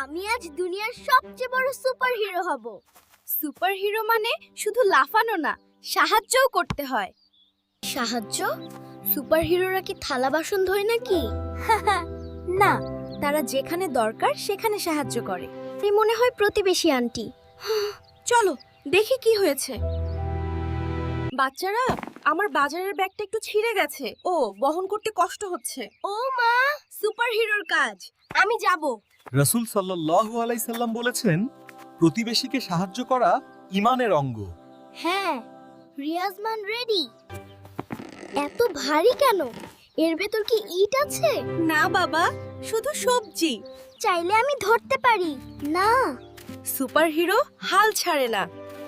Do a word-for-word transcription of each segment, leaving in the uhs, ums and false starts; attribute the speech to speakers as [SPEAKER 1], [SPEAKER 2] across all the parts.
[SPEAKER 1] আমি আজ দুনিয়ার সবচেয়ে বড় সুপারহিরো হব।
[SPEAKER 2] সুপারহিরো মানে শুধু লাফানো না, সাহায্যও করতে হয়।
[SPEAKER 1] সাহায্য? সুপারহিরোরা কি থালা বাসন ধোয় নাকি?
[SPEAKER 2] না, তারা যেখানে দরকার সেখানে সাহায্য করে।
[SPEAKER 1] এই মনে হয় প্রতিবেশী আন্টি।
[SPEAKER 2] চলো দেখি কি হয়েছে। বাচ্চারা, আমার বাজারের ব্যাগটা একটু ছিঁড়ে গেছে। ও, বহন করতে কষ্ট হচ্ছে।
[SPEAKER 1] ও মা,
[SPEAKER 2] সুপারহিরোর কাজ, আমি যাব।
[SPEAKER 3] রাসূল সাল্লাল্লাহু আলাইহি সাল্লাম বলেছেন, প্রতিবেশীকে সাহায্য করা ঈমানের অঙ্গ।
[SPEAKER 1] হ্যাঁ, রিয়াজমান রেডি। এত ভারী কেন? এর ভেতর কি ইট আছে?
[SPEAKER 2] না বাবা, শুধু সবজি।
[SPEAKER 1] চাইলে আমি ধরতে পারি। না,
[SPEAKER 2] সুপারহিরো হাল ছাড়ে না।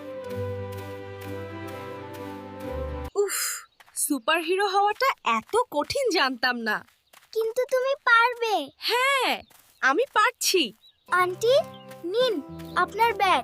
[SPEAKER 2] উফ, সুপারহিরো হওয়াটা এত কঠিন জানতাম না।
[SPEAKER 1] কিন্তু তুমি পারবে।
[SPEAKER 2] হ্যাঁ, আমি পারছি।
[SPEAKER 1] আন্টি, নিন আপনার ব্যাগ।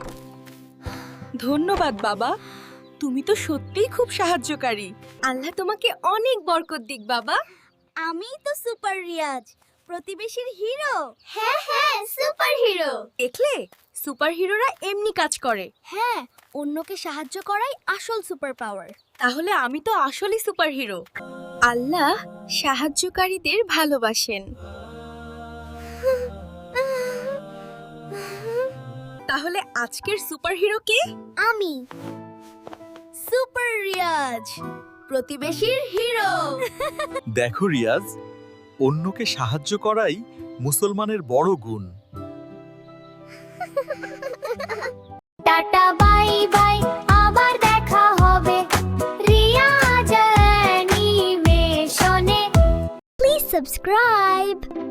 [SPEAKER 2] ধন্যবাদ বাবা, তুমি তো সত্যিই খুব সাহায্যকারী। আল্লাহ তোমাকে অনেক বরকত দিক বাবা।
[SPEAKER 1] আমিই তো সুপার রিয়াজ, প্রতিবেশীর হিরো। হ্যাঁ হ্যাঁ, সুপারহিরো।
[SPEAKER 2] দেখলে, সুপারহিরোরা এমনি কাজ করে।
[SPEAKER 1] হ্যাঁ, অন্যকে সাহায্য করাই আসল সুপার পাওয়ার।
[SPEAKER 2] তাহলে আমি তো আসলই সুপারহিরো। আল্লাহ সাহায্যকারীদের ভালোবাসেন। তাহলে আজকের সুপারহিরো কে?
[SPEAKER 1] আমি সুপার রিয়াজ, প্রতিবেশীর হিরো।
[SPEAKER 3] দেখো রিয়াজ, অন্যকে সাহায্য করাই মুসলমানের বড় গুণ।
[SPEAKER 4] টাটা বাই বাই, আবার দেখা হবে রিয়াজ অ্যানিমেশনে।
[SPEAKER 1] Please subscribe.